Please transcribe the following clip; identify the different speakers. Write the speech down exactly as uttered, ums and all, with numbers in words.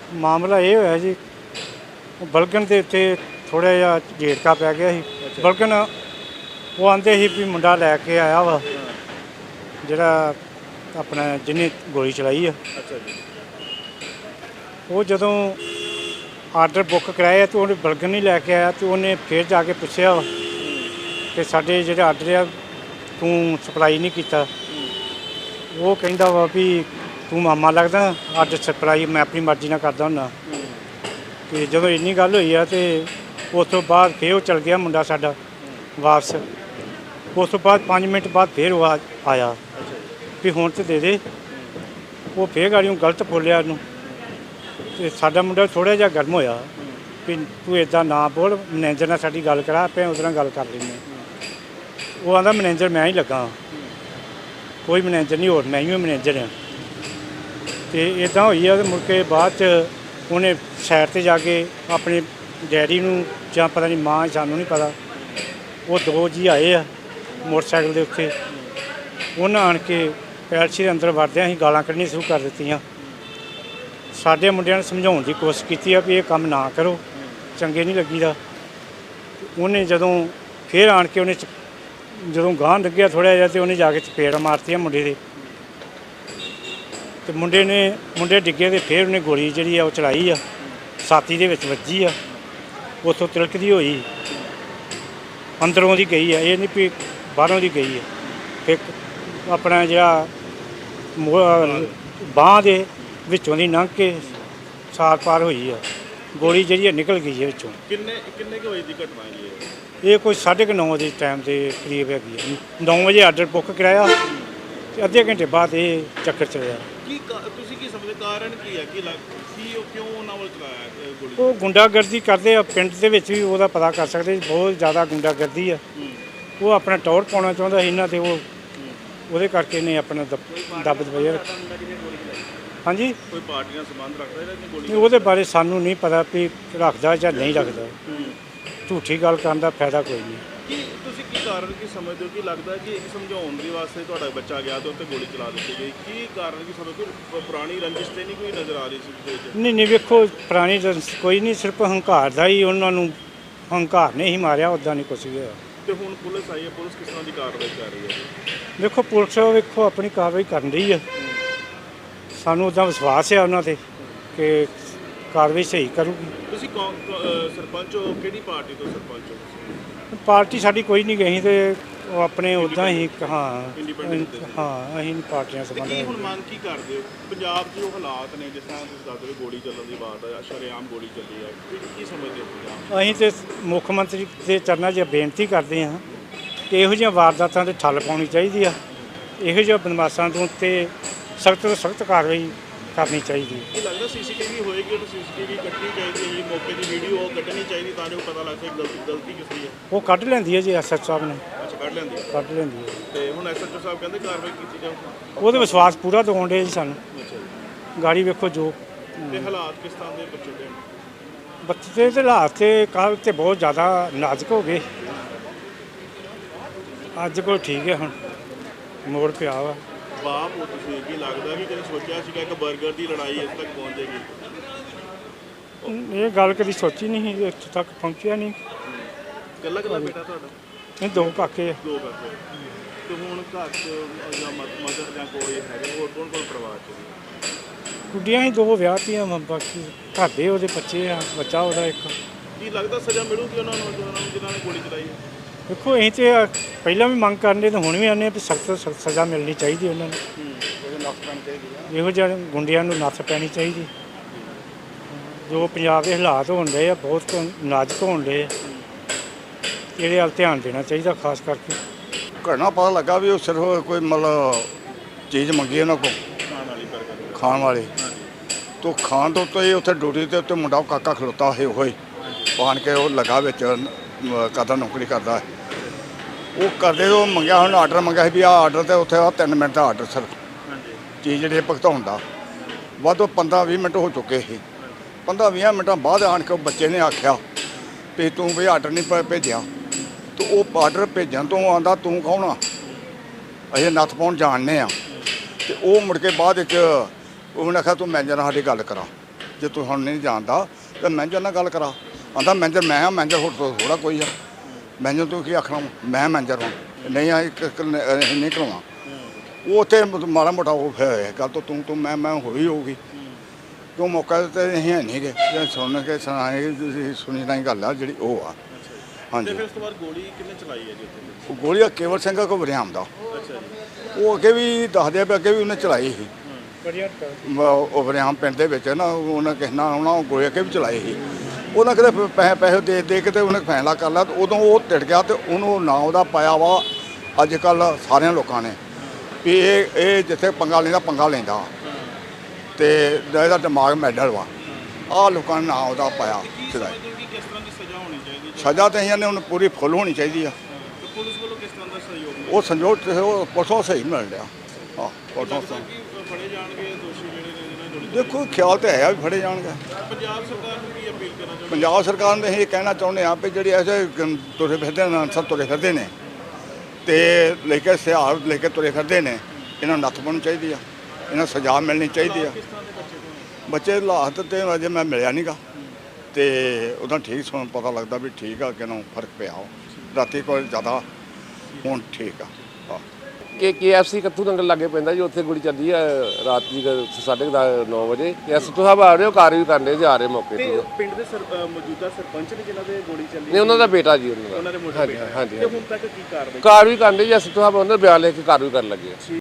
Speaker 1: ਮਾਮਲਾ ਇਹ ਹੋਇਆ ਜੀ, ਬਲਗਨ ਦੇ ਉੱਤੇ ਥੋੜ੍ਹਾ ਜਿਹਾ ਝੇੜਕਾ ਪੈ ਗਿਆ ਸੀ। ਬਲਗਨ ਉਹ ਆਂਦੇ ਸੀ ਵੀ ਮੁੰਡਾ ਲੈ ਕੇ ਆਇਆ ਵਾ ਜਿਹੜਾ ਆਪਣਾ ਜਿਹਨੇ ਗੋਲੀ ਚਲਾਈ ਆ।
Speaker 2: ਅੱਛਾ ਜੀ।
Speaker 1: ਉਹ ਜਦੋਂ ਆਰਡਰ ਬੁੱਕ ਕਰਾਇਆ ਤਾਂ ਉਹਨੇ ਬਲਗਨ ਨਹੀਂ ਲੈ ਕੇ ਆਇਆ, ਅਤੇ ਉਹਨੇ ਫਿਰ ਜਾ ਕੇ ਪੁੱਛਿਆ ਕਿ ਸਾਡੇ ਜਿਹੜੇ ਆਰਡਰ ਆ ਤੂੰ ਸਪਲਾਈ ਨਹੀਂ ਕੀਤਾ। ਉਹ ਕਹਿੰਦਾ ਵਾ ਵੀ ਤੂੰ ਮਾਮਾ ਲੱਗਦਾ, ਆਰਡਰ ਸਪਲਾਈ ਮੈਂ ਆਪਣੀ ਮਰਜ਼ੀ ਨਾਲ ਕਰਦਾ ਹੁੰਦਾ। ਅਤੇ ਜਦੋਂ ਇੰਨੀ ਗੱਲ ਹੋਈ ਆ ਅਤੇ ਉਸ ਤੋਂ ਬਾਅਦ ਫਿਰ ਉਹ ਚਲ ਗਿਆ ਮੁੰਡਾ ਸਾਡਾ ਵਾਪਸ। ਉਸ ਤੋਂ ਬਾਅਦ ਪੰਜ ਮਿੰਟ ਬਾਅਦ ਫਿਰ ਉਹ ਆ- ਆਇਆ ਵੀ ਹੁਣ ਤਾਂ ਦੇ ਦੇ। ਉਹ ਫਿਰ ਗਾੜੀਆਂ ਗਲਤ ਬੋਲਿਆ ਉਹਨੂੰ, ਅਤੇ ਸਾਡਾ ਮੁੰਡਾ ਥੋੜ੍ਹਾ ਜਿਹਾ ਗਰਮ ਹੋਇਆ ਵੀ ਤੂੰ ਇੱਦਾਂ ਨਾ ਬੋਲ, ਮੈਨੇਜਰ ਨਾਲ ਸਾਡੀ ਗੱਲ ਕਰਾ, ਆਪਾਂ ਉਹਦੇ ਨਾਲ ਗੱਲ ਕਰ ਲੈਂਦੇ। ਉਹ ਆਂਦਾ ਮੈਨੇਜਰ ਮੈਂ ਹੀ ਲੱਗਾ, ਕੋਈ ਮੈਨੇਜਰ ਨਹੀਂ, ਹੋਰ ਮੈਂ ਹੀ ਮੈਨੇਜਰ ਹਾਂ। ਅਤੇ ਇੱਦਾਂ ਹੋਈ ਆ। ਅਤੇ ਮੁੜ ਕੇ ਬਾਅਦ 'ਚ ਉਹਨੇ ਸਾਈਡ 'ਤੇ ਜਾ ਕੇ ਆਪਣੇ ਡੈਡੀ ਨੂੰ ਜਾਂ ਪਤਾ ਨਹੀਂ ਮਾਂ, ਸਾਨੂੰ ਨਹੀਂ ਪਤਾ, ਉਹ ਦੋ ਜੀ ਆਏ ਆ ਮੋਟਰਸਾਈਕਲ ਦੇ ਉੱਤੇ। ਉਹਨਾਂ ਆਣ ਕੇ ਪੈਲਸੀ ਦੇ ਅੰਦਰ ਵੜਦਿਆਂ ਅਸੀਂ ਗਾਲਾਂ ਕੱਢਣੀਆਂ ਸ਼ੁਰੂ ਕਰ ਦਿੱਤੀਆਂ। ਸਾਡੇ ਮੁੰਡਿਆਂ ਨੇ ਸਮਝਾਉਣ ਦੀ ਕੋਸ਼ਿਸ਼ ਕੀਤੀ ਆ ਵੀ ਇਹ ਕੰਮ ਨਾ ਕਰੋ, ਚੰਗੇ ਨਹੀਂ ਲੱਗੀਦਾ। ਉਹਨੇ ਜਦੋਂ ਫਿਰ ਆਣ ਕੇ ਉਹਨੇ ਜਦੋਂ ਗਾਂਹ ਲੱਗਿਆ ਥੋੜ੍ਹਾ ਜਿਹਾ, ਅਤੇ ਉਹਨੇ ਜਾ ਕੇ ਚਪੇੜ ਮਾਰਤੀਆਂ ਮੁੰਡੇ ਦੇ, ਅਤੇ ਮੁੰਡੇ ਨੇ ਮੁੰਡੇ ਡਿੱਗੇ, ਅਤੇ ਫਿਰ ਉਹਨੇ ਗੋਲੀ ਜਿਹੜੀ ਆ ਉਹ ਚਲਾਈ ਆ, ਛਾਤੀ ਦੇ ਵਿੱਚ ਵੱਜੀ ਆ, ਉੱਥੋਂ ਤਿਲਕਦੀ ਹੋਈ ਅੰਦਰੋਂ ਦੀ ਗਈ ਆ, ਇਹ ਨਹੀਂ ਵੀ ਬਾਹਰੋਂ ਦੀ ਗਈ ਆ। ਫਿਰ ਆਪਣਾ ਜਿਹੜਾ ਬਾਂਹ ਦੇ ਵਿੱਚੋਂ ਦੀ ਲੰਘ ਕੇ ਸਾਰ ਪਾਰ ਹੋਈ ਆ, ਗੋਲੀ ਜਿਹੜੀ ਆ ਨਿਕਲ ਗਈ ਹੈ ਵਿੱਚੋਂ।
Speaker 2: ਕਿੰਨੇ ਕਿੰਨੇ ਕੁ ਵਜੇ ਦੀ ਘਟਨਾ ਹੈ ਜੀ
Speaker 1: ਇਹ? ਇਹ ਕੋਈ ਸਾਢੇ ਕੁ ਨੌ ਦੇ ਟਾਈਮ ਦੇ ਕਰੀਬ ਹੈਗੀ ਆ। ਨੌ ਵਜੇ ਆਰਡਰ ਬੁੱਕ ਕਰਾਇਆ ਅਤੇ ਅੱਧੇ ਘੰਟੇ ਬਾਅਦ ਇਹ ਚੱਕਰ ਚੱਲਿਆ।
Speaker 2: ਕੀ ਤੁਸੀਂ ਕੀ ਸਮਝਦੇ ਕਾਰਨ ਕੀ ਹੈ? ਕੀ ਲੱਗ ਕੀ ਉਹ ਕਿਉਂ ਉਹਨਾਂ ਵੱਲ ਚਲਾਇਆ ਗੋਲੀ?
Speaker 1: ਉਹ ਗੁੰਡਾਗਰਦੀ ਕਰਦੇ ਆ ਪਿੰਡ ਦੇ ਵਿੱਚ ਵੀ, ਉਹਦਾ ਪਤਾ ਕਰ ਸਕਦੇ, ਬਹੁਤ ਜ਼ਿਆਦਾ ਗੁੰਡਾਗਰਦੀ ਆ। ਉਹ ਆਪਣਾ ਟੌਰ ਪਾਉਣਾ ਚਾਹੁੰਦਾ ਸੀ ਇਹਨਾਂ 'ਤੇ, ਉਹ ਉਹਦੇ ਕਰਕੇ ਨੇ ਆਪਣਾ ਦੱਬ ਦਬਾਇਆ। ਹਾਂਜੀ,
Speaker 2: ਕੋਈ ਪਾਰਟੀ ਨਾਲ ਸੰਬੰਧ ਰੱਖਦਾ ਇਹਦਾ ਗੋਲੀ?
Speaker 1: ਨਹੀਂ, ਉਹਦੇ ਬਾਰੇ ਸਾਨੂੰ ਨਹੀਂ ਪਤਾ ਵੀ ਰੱਖਦਾ ਜਾਂ ਨਹੀਂ ਰੱਖਦਾ। ਝੂਠੀ ਗੱਲ ਕਰਨ ਦਾ ਫਾਇਦਾ ਕੋਈ ਨਹੀਂ।
Speaker 2: ਕੀ ਤੁਸੀਂ ਕੀ ਕਾਰਨ ਕੀ ਸਮਝਦੇ ਹੋ? ਕੀ ਲੱਗਦਾ ਕਿ ਇੱਕ ਸਮਝਾਉਣ ਦੇ ਵਾਸਤੇ ਤੁਹਾਡਾ ਬੱਚਾ ਗਿਆ ਤੇ ਉੱਤੇ ਗੋਲੀ ਚਲਾ ਦਿੱਤੀ ਗਈ? ਕੀ ਕਾਰਨ ਕੀ ਸਮਝਦੇ ਹੋ? ਪੁਰਾਣੀ ਰੰਜਿਸ਼ ਤੇ ਨਹੀਂ ਕੋਈ ਨਜ਼ਰ ਆ ਰਹੀ ਸੀ ਵਿੱਚ?
Speaker 1: ਨਹੀਂ ਨਹੀਂ, ਵੇਖੋ ਪੁਰਾਣੀ ਰੰਜਿਸ਼ ਕੋਈ ਨਹੀਂ, ਸਿਰਫ ਹੰਕਾਰ ਦਾ ਹੀ ਉਹਨਾਂ ਨੂੰ ਹੰਕਾਰ ਨੇ ਹੀ ਮਾਰਿਆ, ਉੱਦਾਂ ਨਹੀਂ ਕੁਛ ਵੀ ਹੋਇਆ।
Speaker 2: ਤੇ ਹੁਣ ਪੁਲਿਸ ਆਈ ਹੈ, ਪੁਲਿਸ ਕਿਸ ਤਰ੍ਹਾਂ ਦੀ ਕਾਰਵਾਈ ਕਰ ਰਹੀ ਹੈ?
Speaker 1: ਵੇਖੋ ਪੁਲਿਸ ਵੇਖੋ ਆਪਣੀ ਕਾਰਵਾਈ ਕਰਨ ਰਹੀ ਆ, ਸਾਨੂੰ ਉੱਦਾਂ ਵਿਸ਼ਵਾਸ ਹੈ ਉਹਨਾਂ 'ਤੇ ਕਿ ਕਾਰਵਾਈ ਸਹੀ ਕਰੂਗੀ।
Speaker 2: ਤੁਸੀਂ ਕੌਣ ਸਰਪੰਚ ਹੋ? ਕਿਹੜੀ ਪਾਰਟੀ ਤੋਂ ਸਰਪੰਚ ਹੋ?
Speaker 1: ਪਾਰਟੀ ਸਾਡੀ ਕੋਈ ਨਹੀਂ ਗਈ, ਤੇ ਉਹ ਆਪਣੇ ਉੱਦਾਂ ਹੀ ਹਾਂ
Speaker 2: ਇੰਡੀਪੈਂਡੈਂਟ
Speaker 1: ਹਾਂ ਅਸੀਂ ਪਾਰਟੀਆਂ
Speaker 2: ਤੇ
Speaker 1: ਸੰਬੰਧ।
Speaker 2: ਕੀ ਹੁਣ ਮੰਗ ਕੀ ਕਰਦੇ ਹੋ? ਪੰਜਾਬ 'ਚ ਜੋ ਹਾਲਾਤ ਨੇ, ਜਿਸ ਤਰ੍ਹਾਂ ਤੁਸੀਂ ਦੱਸ ਰਹੇ ਹੋ ਗੋਲੀ ਚੱਲਣ ਦੀ ਬਾਤ ਹੈ, ਸ਼ਰੇਆਮ ਗੋਲੀ ਚੱਲੀ ਹੈ, ਕੀ ਕੀ ਸਮਝਦੇ ਹੋ ਪੰਜਾਬ?
Speaker 1: ਅਸੀਂ ਤੇ ਮੁੱਖ ਮੰਤਰੀ ਦੇ ਚਰਨਾਂ 'ਚ ਬੇਨਤੀ ਕਰਦੇ ਹਾਂ ਕਿ ਇਹੋ ਜਿਹੀਆਂ ਵਾਰਦਾਤਾਂ 'ਤੇ ਠੱਲ ਪਾਉਣੀ ਚਾਹੀਦੀ ਆ। ਇਹੋ ਜਿਹੇ ਬਦਮਾਸ਼ਾਂ ਤੋਂ ਤੇ ਸਖਤ ਤੋਂ ਸਖਤ ਕਾਰਵਾਈ ਕਰਨੀ ਚਾਹੀਦੀ ਹੈ।
Speaker 2: ਕੀ ਲੱਗਦਾ ਸੀਸੀਟੀਵੀ ਹੋਏਗੀ ਤਾਂ ਸੀਸੀਟੀਵੀ ਕੱਢਣੀ ਚਾਹੀਦੀ ਹੈ, ਮੌਕੇ ਦੀ ਵੀਡੀਓ ਉਹ ਕੱਢਣੀ ਚਾਹੀਦੀ ਤਾਂ ਜੋ ਪਤਾ ਲੱਗ ਸਕੇ ਗਲਤੀ ਗਲਤੀ ਕਿਸ ਦੀ ਹੈ?
Speaker 1: ਉਹ ਕੱਢ ਲੈਂਦੀ ਹੈ ਜੀ ਐਸ ਐਚ ਸਾਹਿਬ ਨੇ,
Speaker 2: ਅੱਛਾ, ਕੱਢ ਲੈਂਦੇ ਆ।
Speaker 1: ਕੱਢ ਲੈਂਦੀ ਹੈ।
Speaker 2: ਤੇ ਹੁਣ ਐਸ ਐਚ ਓ ਸਾਹਿਬ ਕਹਿੰਦੇ ਕਾਰਵਾਈ ਕੀਤੀ ਜਾਊ।
Speaker 1: ਉਹਦੇ ਵਿਸ਼ਵਾਸ ਪੂਰਾ ਦਿਵਾਉਣ ਡੇ ਜੀ ਸਾਨੂੰ।
Speaker 2: ਅੱਛਾ ਜੀ।
Speaker 1: ਗਾੜੀ ਵੇਖੋ ਜੋ
Speaker 2: ਤੇ ਹਾਲਾਤ ਕਿਸ ਤਰ੍ਹਾਂ ਦੇ ਬੱਚੇ ਦੇ?
Speaker 1: ਬੱਚੇ ਦੇ ਹਾਲਾਤ ਤੇ ਕੱਲ੍ਹ ਤੇ ਬਹੁਤ ਜ਼ਿਆਦਾ ਨਾਜ਼ੁਕ ਹੋ ਗਏ, ਅੱਜ ਕੋਲ ਠੀਕ ਹੈ, ਹੁਣ ਮੋੜ ਪਿਆ ਵਾ।
Speaker 2: ਬਾਪ ਹੋ ਤੁਸੀਂ, ਕੀ ਲੱਗਦਾ ਕਿ ਕਦੇ ਸੋਚਿਆ ਸੀਗਾ ਇੱਕ 버ਗਰ ਦੀ ਲੜਾਈ ਇਸ ਤੱਕ ਪਹੁੰਚ ਜਾਏਗੀ?
Speaker 1: ਇਹ ਗੱਲ ਕਦੀ ਸੋਚੀ ਨਹੀਂ ਸੀ, ਇੱਥੇ ਤੱਕ ਪਹੁੰਚਿਆ ਨਹੀਂ।
Speaker 2: ਇਕੱਲਾ ਇਕੱਲਾ ਬੇਟਾ ਤੁਹਾਡਾ?
Speaker 1: ਇਹ ਦੋ ਕਾਕੇ ਆ।
Speaker 2: ਦੋ ਬੱਚੇ। ਤੇ ਹੁਣ ਘਰ 'ਚ ਜਾਂ ਮਦਰ ਜਾਂ ਕੋਈ ਹੈਗਾ ਹੋਰ ਕੌਣ ਕੌਣ ਪਰਿਵਾਰ 'ਚ?
Speaker 1: ਕੁੜੀਆਂ ਹੀ ਦੋ ਵਿਆਹਤੀਆਂ ਵਾ, ਬਾਕੀ ਘਰ ਦੇ ਉਹਦੇ ਬੱਚੇ ਆ, ਬੱਚਾ ਉਹਦਾ ਇੱਕ।
Speaker 2: ਕੀ ਲੱਗਦਾ ਸਜ਼ਾ ਮਿਲੂਗੀ ਉਹਨਾਂ ਨੂੰ ਉਹਨਾਂ ਨੂੰ ਜਿਨ੍ਹਾਂ ਨੇ ਗੋਲੀ ਚਲਾਈ ਹੈ?
Speaker 1: ਦੇਖੋ ਅਸੀਂ ਤੇ ਪਹਿਲਾਂ ਵੀ ਮੰਗ ਕਰਨੇ ਤੇ ਹੁਣ ਵੀ ਆਉਂਦੇ ਵੀ ਸਖਤ ਤੋਂ ਸਖਤ ਸਜ਼ਾ ਮਿਲਣੀ ਚਾਹੀਦੀ ਉਹਨਾਂ ਨੂੰ। ਇਹੋ ਜਿਹੇ ਗੁੰਡਿਆਂ ਨੂੰ ਨੱਥ ਪੈਣੀ ਚਾਹੀਦੀ। ਜੋ ਪੰਜਾਬ ਦੇ ਹਾਲਾਤ ਹੋਣ ਰਹੇ ਆ ਬਹੁਤ ਨਾਜ਼ੁਕ ਹੋਣ ਰਹੇ ਆ, ਇਹਦੇ ਵੱਲ ਧਿਆਨ ਦੇਣਾ ਚਾਹੀਦਾ ਖਾਸ ਕਰਕੇ।
Speaker 3: ਘਟਨਾ ਪਤਾ ਲੱਗਾ ਵੀ ਉਹ ਸਿਰਫ ਕੋਈ ਮਤਲਬ ਚੀਜ਼ ਮੰਗੀ ਉਹਨਾਂ ਕੋਲ
Speaker 2: ਖਾਣ ਵਾਲੀ ਬਰਗਰ
Speaker 3: ਖਾਣ ਵਾਲੇ ਤੋਂ ਖਾਣ ਤੋਂ ਉੱਤੇ ਉੱਥੇ ਡਿਊਟੀ ਦੇ ਉੱਤੇ ਮੁੰਡਾ ਕਾਕਾ ਖਲੋਤਾ ਹੋਏ ਹੋਏ ਪਾਣ ਕੇ ਉਹ ਲਗਾ ਵਿੱਚ ਕਦਾ ਨੌਕਰੀ ਕਰਦਾ। ਉਹ ਕਰਦੇ ਉਹ ਮੰਗਿਆ, ਹੁਣ ਆਰਡਰ ਮੰਗਿਆ ਸੀ ਵੀ ਆਹ ਆਰਡਰ ਤੇ ਉੱਥੇ ਆ ਤਿੰਨ ਮਿੰਟ ਦਾ ਆਰਡਰ ਸਰ ਚੀਜ਼ ਜਿਹੜੀ ਭੁਗਤਾਉਣ ਦਾ ਵੱਧ ਪੰਦਰਾਂ ਵੀਹ ਮਿੰਟ ਹੋ ਚੁੱਕੇ ਸੀ। ਪੰਦਰਾਂ ਵੀਹ ਮਿੰਟਾਂ ਬਾਅਦ ਆਣ ਕੇ ਉਹ ਬੱਚੇ ਨੇ ਆਖਿਆ ਵੀ ਤੂੰ ਵੀ ਆਰਡਰ ਨਹੀਂ ਭੇਜਿਆ। ਤੇ ਉਹ ਆਰਡਰ ਭੇਜਣ ਤੋਂ ਆਂਦਾ ਤੂੰ ਕੌਣ ਆ, ਅਸੀਂ ਨੱਥ ਪਾਉਣ ਜਾਣਦੇ ਆ। ਤੇ ਉਹ ਮੁੜ ਕੇ ਬਾਅਦ ਵਿੱਚ ਉਹਨੇ ਆਖਿਆ ਤੂੰ ਮੈਨੇਜਰ ਨਾਲ ਸਾਡੀ ਗੱਲ ਕਰਾ। ਜੇ ਤੂੰ ਹੁਣ ਨਹੀਂ ਜਾਣਦਾ ਤਾਂ ਮੈਨੇਜਰ ਨਾਲ ਗੱਲ ਕਰਾ। ਆਂਦਾ ਮੈਨੇਜਰ ਮੈਂ ਆ, ਮੈਨੇਜਰ ਹੋਰ ਤੋਂ ਥੋੜਾ ਕੋਈ ਆ। ਮੈਨੇਜਰ ਤੂੰ ਕੀ ਆਖਣਾ ਵਾ? ਮੈਂ ਮੈਨੇਜਰ ਹਾਂ, ਨਹੀਂ ਆ ਇੱਕ ਇੱਕ ਨ- ਅਹ ਨਹੀਂ ਕਰਾਉਣਾ। ਉਹ ਉੱਥੇ ਮਾੜਾ ਮੋਟਾ ਉਹ ਫਿਰ ਗੱਲ ਤੋਂ ਤੂੰ ਤੂੰ ਮੈਂ ਮੈਂ ਹੋਈ ਹੋਊਗੀ। ਕਿਉਂ ਮੌਕਾ ਤੇ ਅਸੀਂ ਹੈ ਨਹੀਂ ਗੇ ਜੇ ਸੁਣ ਕੇ ਸੁਣਾਏ ਤੁਸੀਂ ਸੁਣੀ ਨਹੀਂ ਗੱਲ ਆ ਜਿਹੜੀ ਉਹ ਆ।
Speaker 2: ਤੇ
Speaker 3: ਹਾਂਜੀ
Speaker 2: ਫਿਰ ਉਸ ਤੋਂ ਬਾਅਦ ਗੋਲੀ ਕਿੰਨੇ ਚਲਾਈ ਹੈ ਜੀ ਉੱਥੇ?
Speaker 3: ਉਹ ਗੋਲੀ ਆ ਕੇਵਲ ਸਿੰਘ ਕੋ ਵਰਿਆਮ ਦਾ।
Speaker 2: ਅੱਛਾ ਜੀ।
Speaker 3: ਉਹ ਅੱਗੇ ਵੀ ਦੱਸਦੇ ਆ ਵੀ ਅੱਗੇ ਵੀ ਉਹਨੇ ਚਲਾਈ ਸੀ।
Speaker 1: ਬੜੀਆ
Speaker 3: ਮ- ਉਹ ਵਰਿਆਮ ਪਿੰਡ ਦੇ ਵਿੱਚ ਨਾ ਉਹਨਾਂ ਕਿਸੇ ਨਾਲ ਉਹਨਾਂ ਉਹ ਗੋਲੀ ਅੱਗੇ ਵੀ ਚਲਾਈ ਸੀ। ਉਹਨਾਂ ਕਿਤੇ ਪੈਸੇ ਪੈਸੇ ਦੇ ਦੇ ਕੇ ਤੇ ਉਹਨੇ ਫੈਸਲਾ ਕਰ ਲਿਆ ਤੇ ਉਦੋਂ ਉਹ ਟਿੜ ਗਿਆ ਤੇ ਉਹਨੂੰ ਨਾਂ ਉਹਦਾ ਪਾਇਆ ਵਾ ਅੱਜ ਕੱਲ੍ਹ ਸਾਰਿਆਂ ਲੋਕਾਂ ਨੇ ਵੀ ਇਹ ਇਹ ਜਿੱਥੇ ਪੰਗਾ ਲੈਂਦਾ ਪੰਗਾ ਲੈਂਦਾ ਤੇ ਇਹਦਾ ਦਿਮਾਗ ਮੈਡਲ ਵਾ। ਆਹ ਲੋਕਾਂ ਨੇ ਨਾਂ ਉਹਦਾ ਪਾਇਆ ਸਿੱਧਾ।
Speaker 2: ਸਮਝਦੇ ਹੋ ਕਿ ਕਿਸ ਤਰ੍ਹਾਂ ਦੀ ਸਜ਼ਾ ਹੋਣੀ ਚਾਹੀਦੀ ਹੈ?
Speaker 3: ਸਜ਼ਾ ਤਾਂ ਇਹਨਾਂ ਨੇ ਉਹਨੂੰ ਪੂਰੀ ਫੁੱਲ ਹੋਣੀ ਚਾਹੀਦੀ ਆ।
Speaker 2: ਤੇ ਪੁਲਿਸ ਵੱਲੋਂ ਕਿਸ ਤਰ੍ਹਾਂ ਦਾ ਸਹਿਯੋਗ ਮਿਲਿਆ?
Speaker 3: ਉਹ ਸੰਜੋਗ ਤੇ ਉਹ ਪੁਲਿਸੋਂ ਸਹੀ ਮਿਲ ਰਿਹਾ। ਹਾਂ ਪੁਲਿਸੋਂ
Speaker 2: ਲੱਗਦਾ
Speaker 3: ਸਹੀ।
Speaker 2: ਕਿ ਫੜੇ ਜਾਣਗੇ ਦੋਸ਼ੀ ਜਿਹੜੇ ਨੇ ਜਿਹਨਾਂ ਗੋਲੀ
Speaker 3: ਦੇਖੋ ਖਿਆਲ ਤੇ ਹੈ ਆ ਵੀ ਫੜੇ ਜਾਣਗੇ।
Speaker 2: ਪੰਜਾਬ ਸਰਕਾਰ ਨੂੰ ਕੀ ਅਪੀਲ ਕਰਨਾ ਚਾਹੁੰਦੇ?
Speaker 3: ਪੰਜਾਬ ਸਰਕਾਰ ਨੂੰ ਅਸੀਂ ਇਹ ਕਹਿਣਾ ਚਾਹੁੰਦੇ ਹਾਂ ਵੀ ਜਿਹੜੇ ਐਸੇ ਗ- ਤੁਰੇ ਫਿਰਦੇ ਨੇ ਅਨਸਰ ਤੁਰੇ ਫਿਰਦੇ ਨੇ ਤੇ ਲੈ ਕੇ ਸਿਹਾਰ ਲੈ ਕੇ ਤੁਰੇ ਫਿਰਦੇ ਨੇ, ਇਹਨਾਂ ਨੂੰ ਨੱਥ ਪਾਉਣੀ ਚਾਹੀਦੀ ਆ, ਇਹਨਾਂ ਨੂੰ ਸਜ਼ਾ ਮਿਲਣੀ ਚਾਹੀਦੀ ਆ।
Speaker 2: ਕਿਸ ਤਰ੍ਹਾਂ ਦੇ ਬੱਚੇ ਤੋਂ?
Speaker 3: ਬੱਚੇ ਹਾਲਾਤ ਤੇ ਅਜੇ ਮੈਂ ਮਿਲਿਆ ਨਹੀਂਗਾ ਤੇ ਉਹਦਾ ਠੀਕ ਸੁਣ ਪਤਾ ਲੱਗਦਾ ਵੀ ਠੀਕ ਆ ਕਿ ਨਾ ਫਰਕ ਪਿਆ ਉਹ ਰਾਤੀ ਕੋਲ ਜ਼ਿਆਦਾ ਹੁਣ ਠੀਕ ਆ। ਹਾਂ
Speaker 4: ਕਿ ਕੇਐਫਸੀ ਕੱਥੂ ਨੰਗਲ ਲਾਗੇ ਪੈਂਦਾ ਜੀ, ਉੱਥੇ ਗੋਲੀ ਚੱਲੀ ਆ ਰਾਤ ਦੀ ਸਾਢੇ ਨੌ ਵਜੇ। ਐਸਪੀ ਸਾਹਿਬ ਆ ਰਹੇ ਹੋ, ਕਾਰਵਾਈ ਕਰਨੇ ਜੀ, ਆ ਰਹੇ ਮੌਕੇ
Speaker 2: ਤੇ
Speaker 4: ਤੇ।
Speaker 2: ਪਿੰਡ ਦੇ ਸਰ- ਅ, ਮੌਜੂਦਾ ਸਰਪੰਚ ਨੇ ਜਿਨ੍ਹਾਂ ਦੇ ਗੋਲੀ ਚੱਲੀ
Speaker 4: ਨਹੀਂ ਉਹਨਾਂ ਦਾ ਬੇਟਾ ਜੀ ਉਹਨਾਂ
Speaker 2: ਉਹਨਾਂ ਦੇ
Speaker 4: ਦਾ।
Speaker 2: ਮੋਟਰ
Speaker 4: ਹਾਂਜੀ
Speaker 2: ਬੇਟਾ ਹੈ।
Speaker 4: ਹਾਂਜੀ
Speaker 2: ਤੇ ਹੁਣ ਤੱਕ ਕੀ ਕਾਰਵਾਈ?
Speaker 4: ਕਾਰਵਾਈ ਕਰਨੇ ਜੀ, ਐਸਪੀ ਸਾਹਿਬ ਉਹਨਾਂ ਦਾ ਬਿਆਨ ਲੈ ਕੇ ਕਾਰਵਾਈ ਕਰਨ ਲੱਗੇ ਆ।